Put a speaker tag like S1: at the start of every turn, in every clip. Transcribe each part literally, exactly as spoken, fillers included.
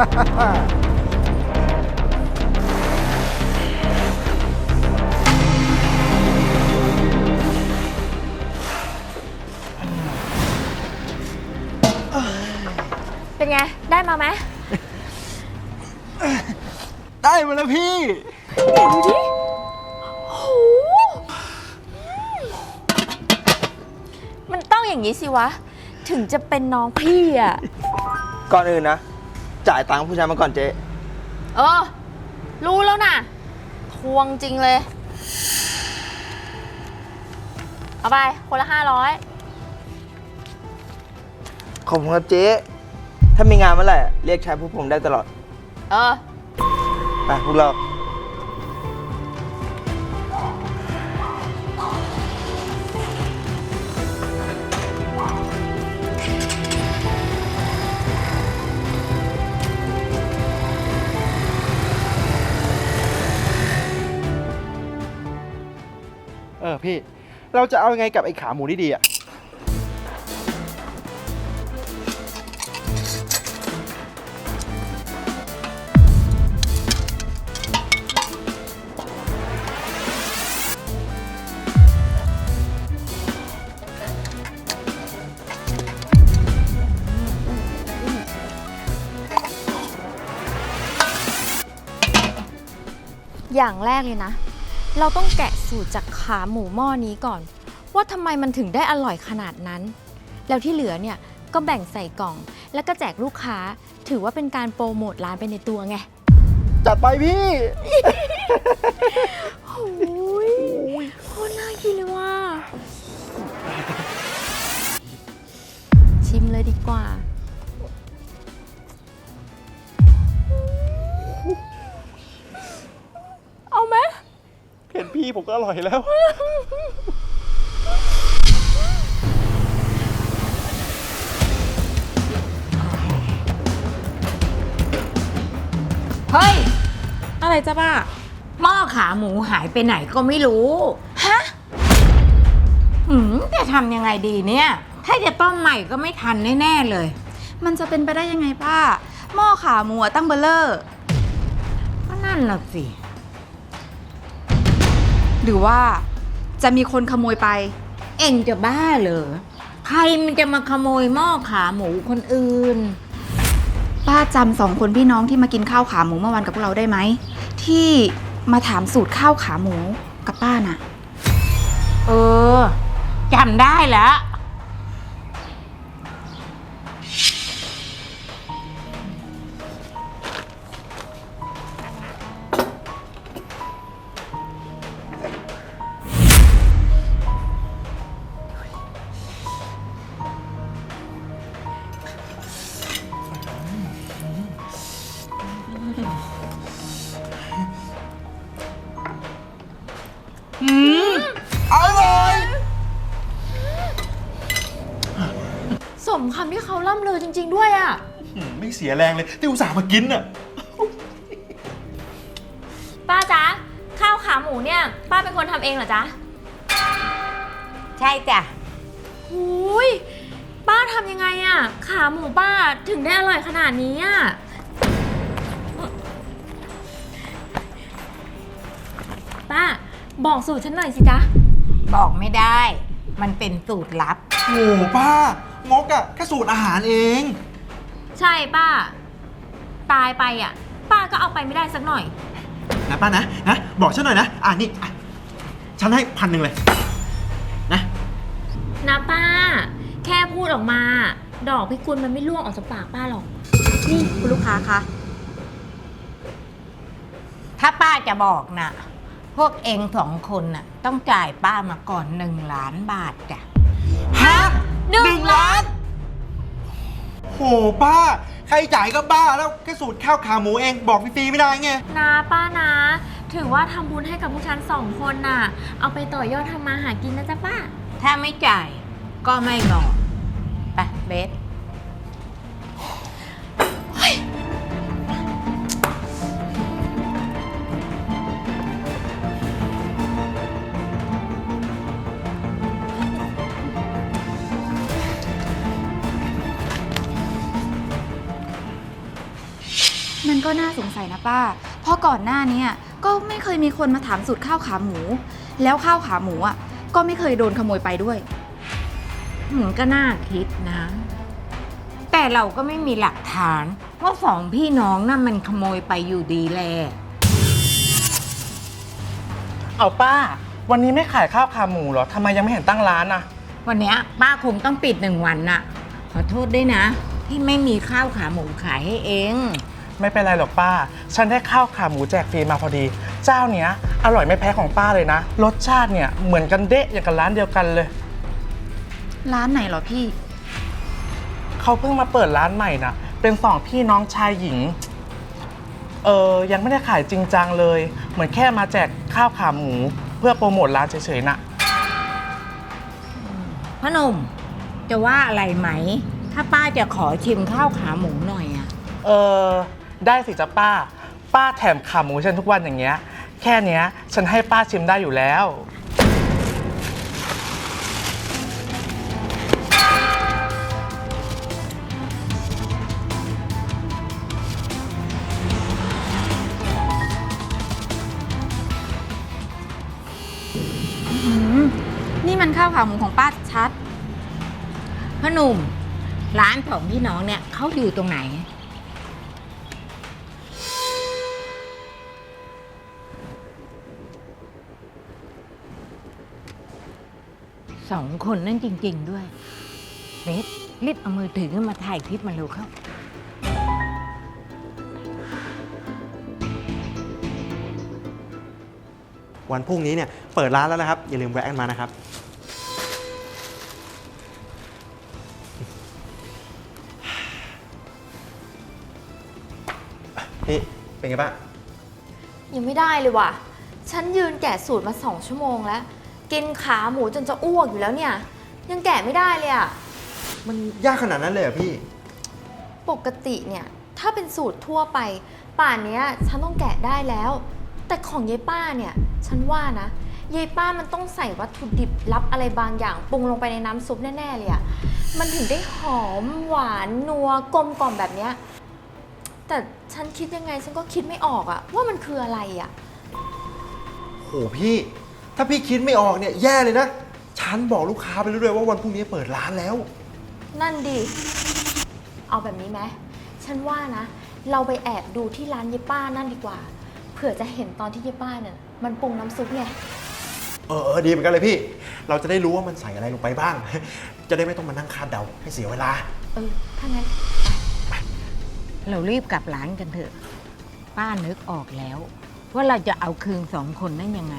S1: เป็นไงได้มาไหม
S2: ได้มาแล้วพี่
S1: ไหนดูดิโหมันต้องอย่างนี้สิวะถึงจะเป็นน้องพี่อ่ะ
S2: ก่อนอื่นนะจ่ายตังค์ผู้ชายมาก่อนเจ๊
S1: เออรู้แล้วนะทวงจริงเลยเอาไปคนละห้าร้อย
S2: ขอบคุณครับเจ๊ถ้ามีงานเมื่อไหร่เรียกใช้พวกผมได้ตลอด
S1: เออ
S2: ไปพวกเรา
S3: เออพี่เราจะเอายังไงกับไอ้ขาหมูนี่ดีอะ
S1: อย่างแรกเลยนะเราต้องแกะสูตรจากขาหมูหม้อนี้ก่อนว่าทำไมมันถึงได้อร่อยขนาดนั้นแล้วที่เหลือเนี่ยก็แบ่งใส่กล่องแล้วก็แจกลูกค้าถือว่าเป็นการโปรโมทร้านไปในตัวไง
S3: จัดไปพี่
S1: โอ้ยโคตรน่ากินเลยว่ะชิมเลยดีกว่าเอาไหม
S3: เห็นพี่ผมก็อร่อยแล้ว
S4: เฮ้ยอะไรจ้ะป้าหม้อขาหมูหายไปไหนก็ไม่รู้ฮะหืมจะทำยังไงดีเนี่ยถ้าจะต้มใหม่ก็ไม่ทันแน่ๆเลย
S5: มันจะเป็นไปได้ยังไงป้าหม้อขาหมูตั้งเบลเลอร์
S4: ก็นั่นน่ะสิ
S5: หรือว่าจะมีคนขโมยไป
S4: เอ็งจะบ้าเหรอใครมันจะมาขโมยหม้อขาหมูคนอื่น
S5: ป้าจำสองคนพี่น้องที่มากินข้าวขาหมูเมื่อวานกับพวกเราได้ไหมที่มาถามสูตรข้าวขาหมูกับป้าน่ะ
S4: เออจำได้แล้ว
S3: อืมอร่อย
S1: สมคำที่เขาล่ำลือจริงๆด้วยอ่ะ
S3: ไม่เสียแรงเลยที่อุตส่าห์มากินอ่ะ
S1: ป้าจ๊ะข้าวขาหมูเนี่ยป้าเป็นคนทำเองเหรอจ๊ะ
S4: ใช่จ้ะ
S1: หูยป้าทำยังไงอ่ะขาหมูป้าถึงได้อร่อยขนาดนี้อ่ะป้าบอกสูตรฉันหน่อยสิจ๊ะ
S4: บอกไม่ได้มันเป็นสูตรลับ
S3: โอ้ป้างกอะแค่สูตรอาหารเอง
S1: ใช่ป้าตายไปอ่ะป้าก็เอาไปไม่ได้สักหน่อย
S3: นะป้านะนะบอกฉันหน่อยนะอ่านี่ฉันให้พันหนึ่งเลยนะ
S1: นะป้าแค่พูดออกมาดอกพิกุลมันไม่ล่วงออกจากปากป้าหรอก
S5: นี่คุณลูกค้าคะ
S4: ถ้าป้าจะบอกนะพวกเองสองคนน่ะต้องจ่ายป้ามาก่อนหนึ่งล้านบาทจ้ะ
S3: ฮะหนึ่งล้านโหป้าใครจ่ายก็บ้าแล้วแค่สูตรข้าวขาหมูเองบอกฟรีๆไม่ได้ไง
S1: นะป้านะถือว่าทำบุญให้กับพวกฉันสองคนน่ะเอาไปต่อยอดทำมาหากินนะจ๊ะป้า
S4: ถ้าไม่จ่ายก็ไม่บอกไปเบส
S5: มันก็น่าสงสัยนะป้า เพราะก่อนหน้านี้ก็ไม่เคยมีคนมาถามสูตรข้าวขาหมู แล้วข้าวขาหมูอ่ะก็ไม่เคยโดนขโมยไปด้วย
S4: มันก็น่าคิดนะ แต่เราก็ไม่มีหลักฐานว่าสองพี่น้องน่ะมันขโมยไปอยู่ดีแล
S3: เอาป้า วันนี้ไม่ขายข้าวขาหมูเหรอทำไมยังไม่เห็นตั้งร้านอะ
S4: วันเนี้ยป้าคงต้องปิดหนึ่งวันน่ะ ขอโทษด้วยนะ ที่ไม่มีข้าวขาหมูขายให้เอง
S3: ไม่เป็นไรหรอกป้า ฉันได้ข้าวขาหมูแจกฟรีมาพอดี เจ้าเนี้ยอร่อยไม่แพ้ของป้าเลยนะ รสชาติเนี่ยเหมือนกันเดะอย่างกับร้านเดียวกันเลย
S5: ร้านไหนเหรอพี่
S3: เขาเพิ่งมาเปิดร้านใหม่นะเป็นสองพี่น้องชายหญิง เออยังไม่ได้ขายจริงจังเลย เหมือนแค่มาแจกข้าวขาหมูเพื่อโปรโมทร้านเฉยๆนะ
S4: พ่อหนุ่มจะว่าอะไรไหม ถ้าป้าจะขอชิมข้าวขาหมูหน่อยอะ
S3: เออได้สิจ๊ะป้า ป้าแถมขาหมูฉันทุกวันอย่างเงี้ย แค่เนี้ยฉันให้ป้าชิมได้อยู่แล้ว
S5: อืมนี่มันข้าวขาหมูของป้าชัด
S4: พ่อหนุ่มร้านของพี่น้องเนี่ยเขาอยู่ตรงไหน สองคนนั่นจริง ๆ ด้วยเบสรีบเอามือถือขึ้นมาถ่ายคลิปมาเร็วเข้า
S6: วันพรุ่งนี้เนี่ยเปิดร้านแล้วนะครับ อย่าลืมแวะกันมานะครับ พี่เป็นไงบ้าง
S1: ยังไม่ได้เลยว่ะ ฉันยืนแกะสูตรมาสองชั่วโมงแล้ว กินขาหมูจนจะอ้วกอยู่แล้วเนี่ย ยังแกะไม่ได้เลยอะ
S6: มันยากขนาดนั้นเลยเหรอพี่
S1: ปกติเนี่ยถ้าเป็นสูตรทั่วไป ป่านเนี้ยฉันต้องแกะได้แล้ว แต่ของยายป้าเนี่ยฉันว่านะยายป้ามันต้องใส่วัตถุดิบลับอะไรบางอย่างปรุงลงไปในน้ำซุปแน่ๆเลยอะมันถึงได้หอมหวานนัวกลมกล่อมแบบเนี้ยแต่ฉันคิดยังไงฉันก็คิดไม่ออกอะว่ามันคืออะไรอะ
S6: โหพี่ ถ้าพี่คิดไม่ออกเนี่ยแย่เลยนะ ฉันบอกลูกค้าไปแล้วด้วยว่าวันพรุ่งนี้เปิดร้านแล้ว
S1: นั่นดิ เอาแบบนี้ไหม ฉันว่านะ เราไปแอบดูที่ร้านเยป้านั่นดีกว่า เผื่อจะเห็นตอนที่เยป้าเนี่ยมันปรุงน้ำซุปไง
S6: เออเออดีเหมือนกันเลยพี่ เราจะได้รู้ว่ามันใส่อะไรลงไปบ้าง จะได้ไม่ต้องมานั่งคาดเดาให้เสียเวลา
S1: เออ ถ้างั้น
S4: เรารีบกลับร้านกันเถอะ ป้านึกออกแล้ว ว่าเราจะเอาคืนสองคนนั่นยังไง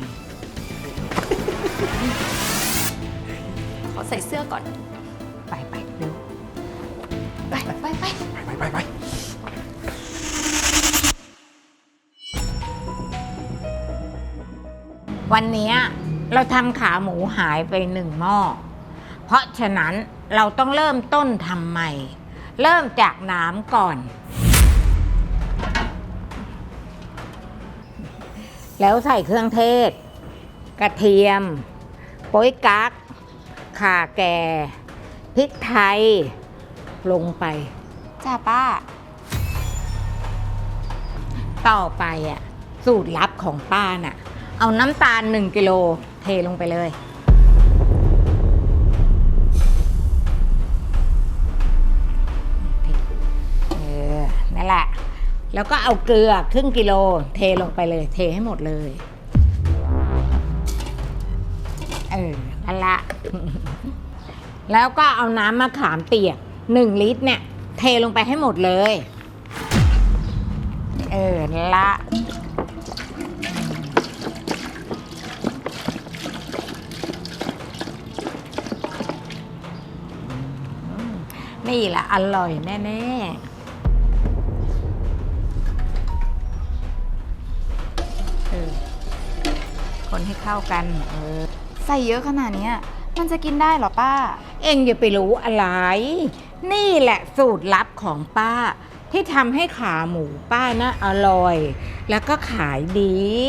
S1: ขอใส่เสื้อก่อน
S4: ไปไปเร็ว
S1: ไปไปไป
S6: ไปไปไป
S4: วันเนี้ยเราทำขาหมูหายไปหนึ่งหม้อ เพราะฉะนั้นเราต้องเริ่มต้นทำใหม่ เริ่มจากน้ำก่อน แล้วใส่เครื่องเทศ กระเทียม โป๊ยกั๊กข่าแก่พริกไทย ลงไป
S5: จ้าป้า
S4: ต่อไปอ่ะ สูตรลับของป้าน่ะ เอาน้ำตาลหนึ่งกิโลเทลงไปเลย เออ นั่นแหละ แล้วก็เอาเกลือครึ่งกิโลเทลงไปเลย เทให้หมดเลย เออ นั่นละ แล้วก็เอาน้ำมะขามเปียกหนึ่งลิตรเนี่ย เทลงไปให้หมดเลย เออนั่นละ นี่แหละอร่อยแน่ๆเออคนให้เข้ากันเออ
S5: ใส่เยอะขนาดเนี้ยมันจะกินได้เหรอป้า
S4: เอ็งอย่าไปรู้อะไร นี่แหละสูตรลับของป้า ที่ทำให้ขาหมูป้านะอร่อย แล้วก็ขายดี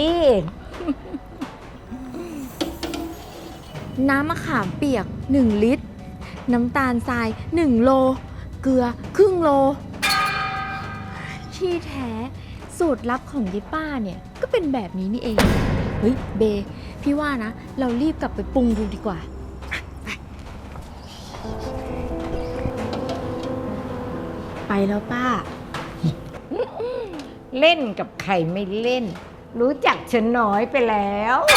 S1: น้ำมะขามเปียกหนึ่งลิตร น้ำตาลทรายหนึ่งโล เกลือครึ่งโลที่แท้สูตรลับของยายป้าเนี่ยก็เป็นแบบนี้นี่เอง เฮ้ยเบ พี่ว่านะ เรารีบกลับไปปรุงดูดีกว่า ไปแล้วป้า
S4: เล่นกับใครไม่เล่น รู้จักฉันน้อยไปแล้ว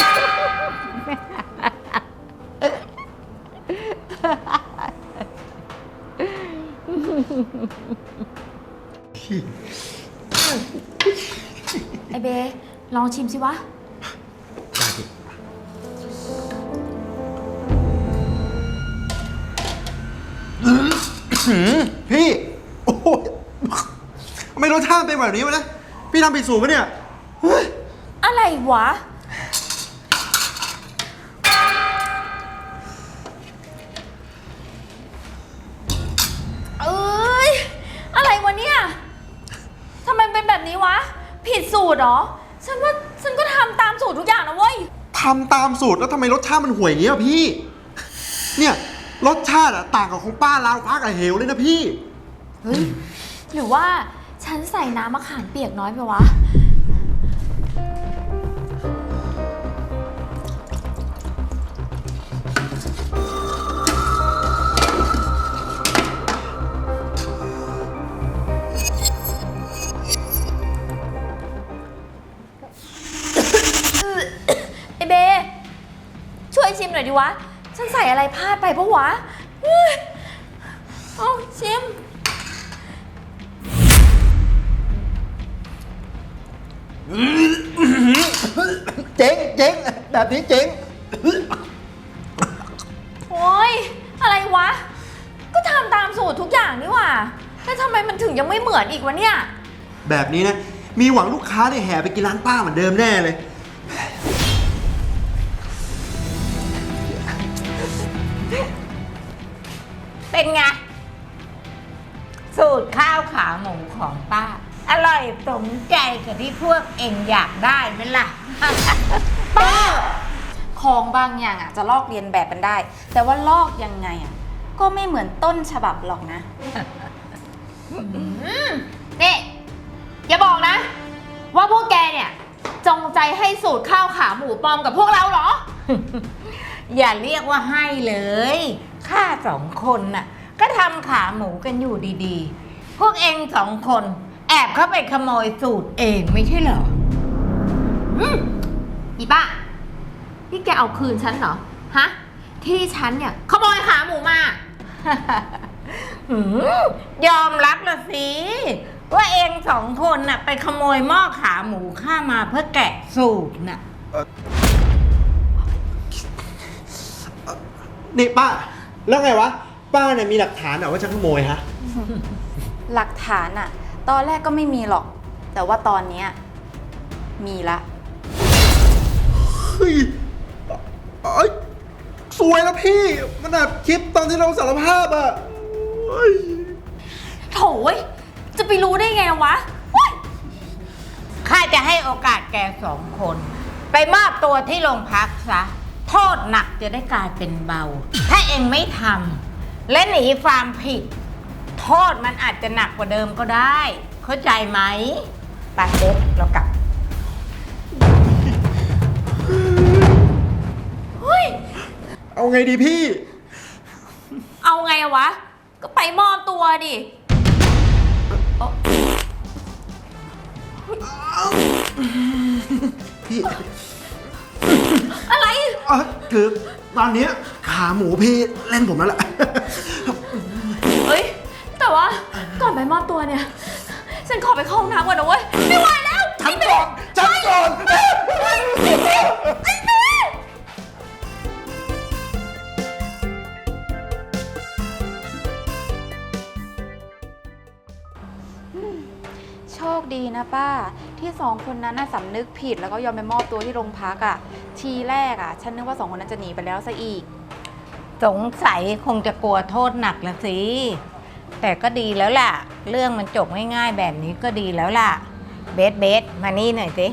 S1: ไอเบ ลองชิมสิวะ
S6: พี่ โอ้โหทำไมรสชาติเป็นแบบนี้วะนะ พี่ทำผิดสูตรปะเนี่ยเฮ้ย
S1: อะไรวะ เอ้ย อะไรวะเนี่ย ทำไมเป็นแบบนี้วะ ผิดสูตรเหรอ ฉันว่าฉันก็ทำตามสูตรทุกอย่างนะเว้ย
S6: ทำตามสูตรแล้วทำไมรสชาติมันห่วยอย่างเงี้ยอะพี่ เนี่ยรสชาติอะต่างกับของป้าลาวพักกับเหวเลยนะพี่
S1: เฮ้ย หรือว่าฉันใส่น้ำมะขามเปียกน้อยไปวะ ไอเบ ช่วยชิมหน่อยดิวะ ฉันใส่อะไรพลาดไปปะวะเฮ้ยเอาชิม
S6: เจ๊งเจ๊งแบบนี้เจ๊ง
S1: โอ๊ย อะไรวะ ก็ทำตามสูตรทุกอย่างนี่หว่าแล้วทำไมมันถึงยังไม่เหมือนอีกวะเนี่ย
S6: แบบนี้นะ มีหวังลูกค้าได้แห่ไปกินร้านป้าเหมือนเดิมแน่เลย
S4: เป็นไง สูตรข้าวขาหมูของป้า อร่อยสมใจกับที่พวกเองอยากได้ไหมล่ะ
S5: ป้า ของบางอย่างอ่ะจะลอกเรียนแบบมันได้ แต่ว่าลอกยังไงอ่ะก็ไม่เหมือนต้นฉบับหรอกนะ
S1: นี่ อย่าบอกนะ ว่าพวกแกเนี่ย จงใจให้สูตรข้าวขาหมูปลอมกับพวกเราเหรอ
S4: อย่าเรียกว่าให้เลย ข้าสองคนน่ะ ก็ทำขาหมูกันอยู่ดีๆ พวกเองสองคน แอบเข้าไปขโมยสูตรเองไม่ใช่เหรอ
S1: อืมอีป้านี่แกเอาคืนฉันเหรอ ฮะ ที่ฉันเนี่ยขโมยขาหมูมา
S4: หืมยอมรับละสิ ว่าเองสองคนน่ะไปขโมยหม้อขาหมูข้ามาเพื่อแกะสูตรน่ะ
S6: นี่ป้า แล้วไงวะ ป้าเนี่ยมีหลักฐานเหรอว่าฉันขโมยฮะ
S5: หลักฐานอ่ะ ตอนแรกก็ไม่มีหรอก แต่ว่าตอนเนี้ยมีละ
S6: เฮ้ยเอ้ยสวยแล้วพี่ มันอัดคลิปตอนที่เราสารภาพอะเฮ้ย
S1: โถยจะไปรู้ได้ไงวะ
S4: ข้าจะให้โอกาสแกสองคน ไปมอบตัวที่โรงพักซะ โทษหนักจะได้กลายเป็นเบา ถ้าเองไม่ทำและหนีความผิด โทษมันอาจจะหนักกว่าเดิมก็ได้ เข้าใจไหมไปเด็กเรากลับ
S6: เอาไงดีพี่
S1: เอาไงอะวะ ก็ไปมอบตัวดิ
S6: พี่
S1: อะไร
S6: เออคือตอนเนี้ยขาหมูพี่เล่นผมแล้วล่ะ
S1: เฮ้ย แต่ว่าก่อนไปมอบตัวเนี่ย ฉันขอไปเข้าห้องน้ำก่อนนะเว้ย ไม่ไหวแล้ว
S6: ฉันก่อนฉันก่อน
S5: โชคดีนะป้า ที่สองคนนั้นน่ะสำนึกผิดแล้วก็ยอมไปมอบตัวที่โรงพักอ่ะ ทีแรกอ่ะ ฉันนึกว่าสองคนนั้นจะหนีไปแล้วซะอีก
S4: สงสัยคงจะกลัวโทษหนักละสิ แต่ก็ดีแล้วล่ะ เรื่องมันจบง่ายๆแบบนี้ก็ดีแล้วล่ะ เบสเบสมานี่หน่อยสิ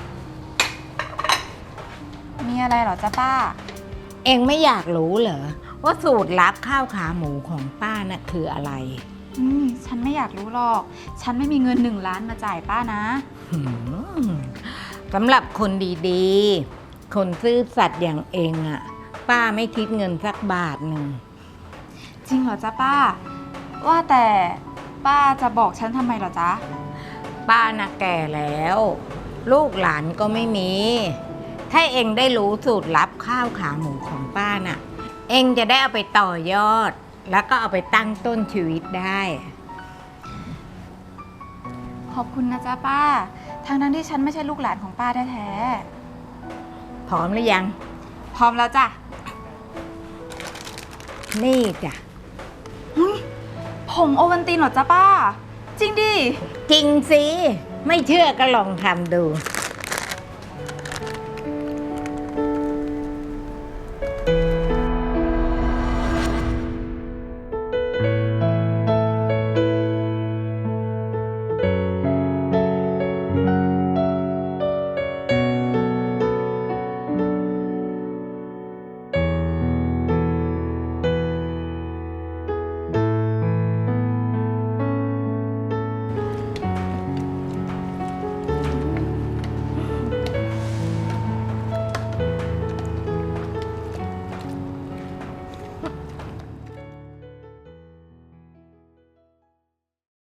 S5: มีอะไรเหรอจ๊ะป้า
S4: เองไม่อยากรู้เหรอว่าสูตรลับข้าวขาหมูของป้าน่ะคืออะไร
S5: อืมฉันไม่อยากรู้หรอก ฉันไม่มีเงินหนึ่งล้านมาจ่ายป้านะ
S4: หืมสำหรับคนดีๆ คนซื่อสัตย์อย่างเองอะป้าไม่คิดเงินสักบาทหนึ่ง
S5: จริงเหรอจ๊ะป้า ว่าแต่ป้าจะบอกฉันทำไมเหรอจ๊ะ
S4: ป้าน่ะแก่แล้ว ลูกหลานก็ไม่มี ถ้าเองได้รู้สูตรลับข้าวขาหมูของป้าน่ะ เองจะได้เอาไปต่อยอด แล้วก็เอาไปตั้งต้นชีวิตได้
S5: ขอบคุณนะจ๊ะป้า ทางนั้นที่ฉันไม่ใช่ลูกหลานของป้าแท้
S4: พร้อมหรือยัง
S5: ๆ พร้อมแล้วจ้ะ
S4: นี่จ้ะ
S5: ผงโอวัลตินเหรอจ๊ะป้า จริงดิ
S4: จริงสิ ไม่เชื่อก็ลองทำดู